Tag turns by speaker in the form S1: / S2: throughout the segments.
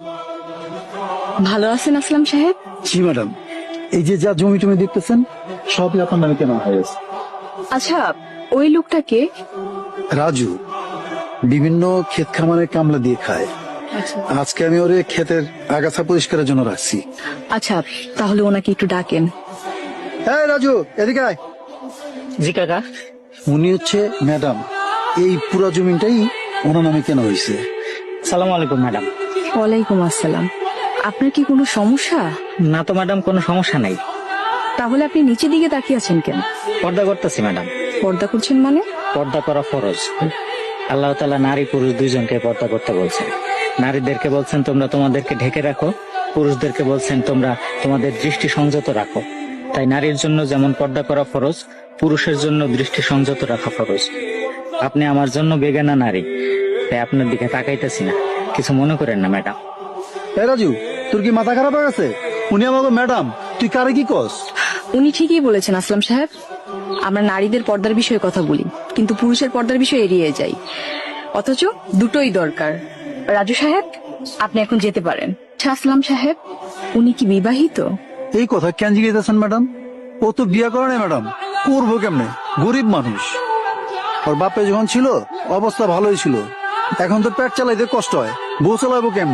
S1: ভালো আছেন আসলাম সাহেব?
S2: জি ম্যাডাম, এই যে যা জমি টমি দেখতেছেন সবই আপনার নামে কেনা হয়েছে।
S1: আচ্ছা, ওই লোকটাকে?
S2: রাজু বিভিন্ন ক্ষেত খামারে কামলা দিয়ে খায়। আজকে আমি ওরে ক্ষেতের আগাছা পরিষ্কারের জন্য রাখছি।
S1: আচ্ছা, তাহলে ওনাকে একটু ডাকেন।
S2: হ্যাঁ রাজু, এদিকে আয়।
S3: জি কাকা।
S2: উনি হচ্ছে ম্যাডাম, এই পুরো জমিটাই ওনার নামে কেনা হয়েছে।
S3: সালাম আলাইকুম ম্যাডাম।
S1: ওয়ালাইকুম আসসালাম। আপনার কি কোনো সমস্যা?
S3: না তো ম্যাডাম, কোনো সমস্যা নাই।
S1: তাহলে আপনি নিচের দিকে তাকিয়ে আছেন কেন?
S3: পর্দা করতেছি ম্যাডাম।
S1: পর্দা করছেন মানে?
S3: পর্দা করা ফরজ। আল্লাহ তাআলা নারী পুরুষ দুইজনকে পর্দা করতে বলছেন। নারীদেরকে বলছেন তোমরা তোমাদেরকে ঢেকে রাখো, পুরুষদেরকে বলছেন তোমরা তোমাদের দৃষ্টি সংযত রাখো। তাই নারীর জন্য যেমন পর্দা করা ফরজ, পুরুষের জন্য দৃষ্টি সংযত রাখা ফরজ। আপনি আমার জন্য বেগানা নারী, তাই আপনার দিকে তাকাইতেছি না, কিছু মনে করেন না ম্যাডাম।
S2: এ রাজু, তোর কি মাথা খারাপ হয়ে গেছে? উনি আমাকে ম্যাডাম, তুই কারে কি কস?
S1: উনি ঠিকই বলেছেন আসলাম সাহেব। আমরা নারীদের পর্দার বিষয়ে কথা বলি, কিন্তু পুরুষের পর্দার বিষয়ে এড়িয়ে যাই। অথচ দুটোই দরকার। রাজু সাহেব, আপনি এখন যেতে পারেন। আচ্ছা আসলাম সাহেব, উনি কি বিবাহিত?
S2: এই কথা কেন জিজ্ঞেসেন ম্যাডাম? ও তো বিয়া করে না ম্যাডাম, করবো কেমনে? গরিব মানুষ। ওর বাপে যখন ছিল অবস্থা ভালোই ছিল, এখন তো পেট চালাইতে কষ্ট হয়, বউ চালাবো কেমন?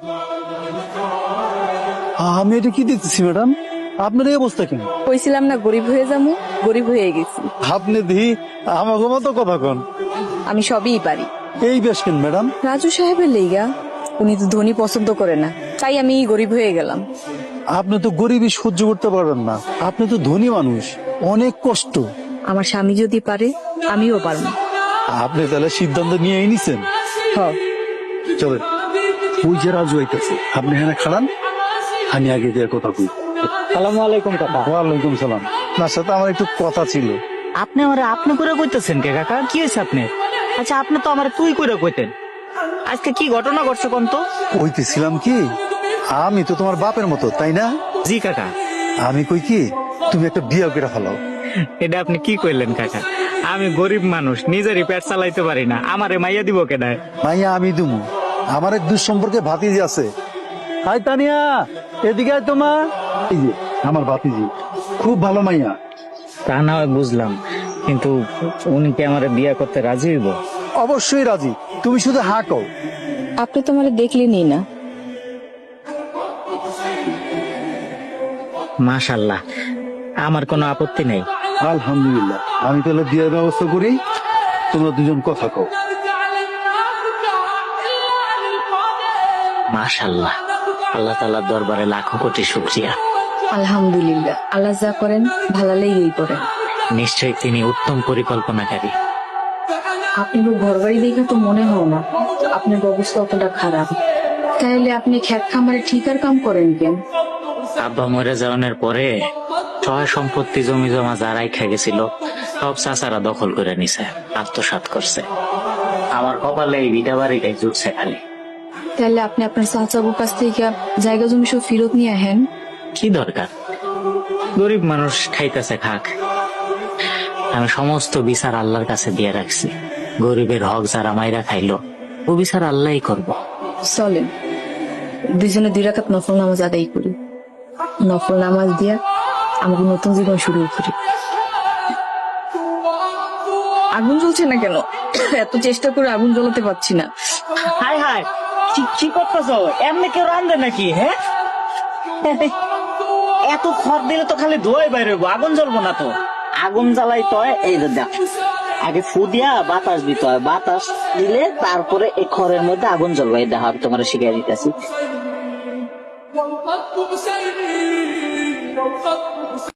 S2: আমি এটা কি দেখতেছি ম্যাডাম, আপনার এই অবস্থা কেন?
S1: কইছিলাম না গরিব হয়ে যাবো, গরিব হয়ে গেছি।
S2: আপনি দিহি আমাকে মতো কথা কন।
S1: আমি সবই পারি।
S2: এই বেশ কেন ম্যাডাম?
S1: রাজু সাহেবের লেগা, উনি তো ধনী পছন্দ করে না, তাই আমি গরিব হয়ে গেলাম।
S2: আপনি তো গরিবই সহ্য করতে পারবেন না, আপনি তো ধনী মানুষ, অনেক কষ্ট।
S1: আমার স্বামী যদি পারে, আমিও পারবো।
S2: আপনি তাহলে সিদ্ধান্ত নিয়ে নিছেন?
S1: হ।
S2: চলেন, ওই যে রাজু আইতেছে, আপনি এখানে খাড়ান, আমি আগে দিয়ে কথা কই।
S3: সালাম আলাইকুম কাকা।
S2: ওয়ালাইকুম সালাম। আপনার সাথে আমার একটু কথা ছিল।
S3: আপনি আমার আপনি করে কইতেছেন কে কাকা? কি হয়েছে আপনি? আচ্ছা, আপনি তো আমার তুই করে কইতেন। আজকে কি ঘটনা ঘটছে কোন তো?
S2: কইতেছিলাম কি, আমি তো তোমার বাপের মতো, তাই না?
S3: জি কাকা।
S2: আমি কই কি, তুমি একটা বিয়ে করে ফেলাও।
S3: এটা আপনি কি কইলেন কাকা? আমি গরিব মানুষ, নিজেরই পেট চালাইতে পারি না, আমারে মাইয়া দিব কেডায়?
S2: মাইয়া আমি দুমু, আমার এক দুঃসম্পর্কে ভাতিজি আছে। হাই তানিয়া, এদিকে আয় তোমা। এই যে আমার ভাতিজি, খুব ভালো মাইয়া।
S3: তা না হয় বুঝলাম, কিন্তু উনি কি আমারে বিয়ে করতে রাজি হইব?
S2: অবশ্যই রাজি, তুমি শুধু হা কও।
S1: আপনি তো আমার দেখলেনই না।
S3: মাশাআল্লাহ, আমার কোনো আপত্তি নেই।
S2: আলহামদুলিল্লাহ, আমি তাহলে বিয়ের ব্যবস্থা করি, তোমরা দুজন কথা কও।
S3: মাশাআল্লাহ, আল্লাহ তাআলার দরবারে লাখো কোটি শুকরিয়া।
S1: আলহামদুলিল্লাহ, আল্লাহ যা করেন ভালো লেগেই করেন।
S3: নিশ্চয়ই তিনি উত্তম পরিকল্পনাকারী।
S1: আপনি ঘর বাড়ি দেখে তো মনে হয় না আপনার অবস্থা অতটা খারাপ। তাইলে আপনি খেত খামারে ঠিকার কাম করেন কেন?
S3: আব্বা মরে যাওয়ার পরে সহায় সম্পত্তি জমি জমা যারাই খেয়ে গেছিল সব চাচারা দখল করে নিছে, আত্মসাৎ করছে। আমার কপালে এই ভিটা বাড়িটাই জুটছে খালি।
S1: তাহলে আপনি আপনার চাচাবুর কাছ থেকে জায়গা জমি সব ফেরত নিয়ে আহেন।
S3: কি দরকার? গরিব মানুষ খাইতেছে খাক, আমি সমস্ত বিচার আল্লাহর কাছে দিয়ে রাখছি। গরিবের হক যারা মাইরা খাইলো ও বিচার আল্লাহই করব।
S1: চলেন দুইজনে 2 রাকাত নফল নামাজ আদায় করি। নফল নামাজ দিয়া আমাকে নতুন জীবন শুরু করি। আগুন জ্বলছে না কেন? এত চেষ্টা করে আগুন জ্বলাতে পারছি না।
S3: হাই হাই, কি করতেছ? এমনি কেউ রান্ধে নাকি? হ্যাঁ, এত খড় দিলে তো খালি ধোয়াই বাইরে হইবো, আগুন জ্বলবো না তো। আগুন জ্বালাইতে হয় এই যে দেখ, আগে ফু দিয়া বাতাস দিতে হয়, বাতাস দিলে তারপরে এই খড়ের মধ্যে আগুন জ্বলবে। এই দেখো, আমি তোমার শিখিয়ে দিতেছি।